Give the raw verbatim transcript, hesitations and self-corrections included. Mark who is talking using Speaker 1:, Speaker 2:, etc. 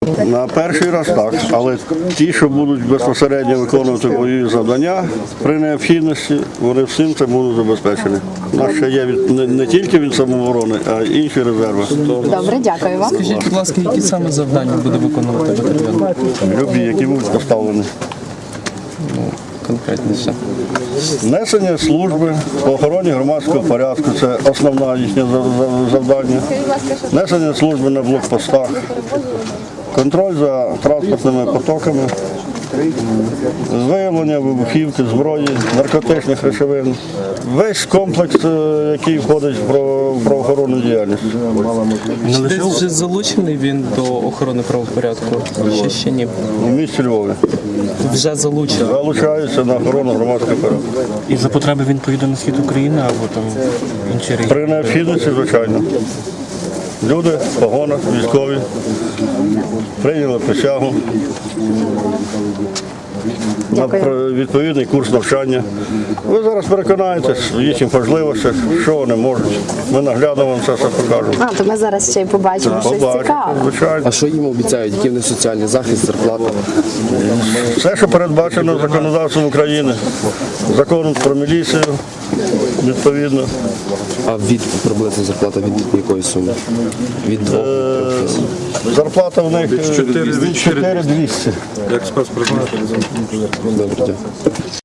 Speaker 1: На перший раз так, але ті, що будуть безпосередньо виконувати бойові завдання при необхідності, вони всім це будуть забезпечені. У нас ще є від, не, не тільки від самооборони, а й інші резерви.
Speaker 2: Добре, дякую вам.
Speaker 3: Скажіть, будь ласка, які саме завдання буде виконувати батальйон?
Speaker 1: Любі, які будуть поставлені.
Speaker 3: Конкретніше.
Speaker 1: Несення служби по охороні громадського порядку – це основне їхнє завдання. Несення служби на блокпостах, контроль за транспортними потоками, виявлення вибухівки, зброї, наркотичних речовин. Весь комплекс, який входить в правоохоронну діяльність.
Speaker 3: Десь вже залучений він до охорони правопорядку? Ще ще ні?
Speaker 1: У місті Львові.
Speaker 3: Вже залучений?
Speaker 1: Залучаються на охорону громадського порядку.
Speaker 4: І за потреби він поїде на схід України або там інші регіони?
Speaker 1: При необхідності, звичайно. Люди в погонах, військові, прийняли присягу на відповідний курс навчання. Ви зараз переконаєтесь в їхніх можливостях, що вони можуть. Ми наглядно вам це все покажемо.
Speaker 2: А, то ми зараз ще й побачимо щось
Speaker 1: Побачите,
Speaker 2: цікаве.
Speaker 1: звичайно.
Speaker 5: А що їм обіцяють? Який в них соціальний захист, зарплата?
Speaker 1: Все, що передбачено законодавством України, законом про міліцію, відповідно.
Speaker 5: А від приблизно зарплата від якої суми? Від двох до трьох тисяч.
Speaker 1: Зарплата в них чотири двісті.
Speaker 5: Добре, дякую.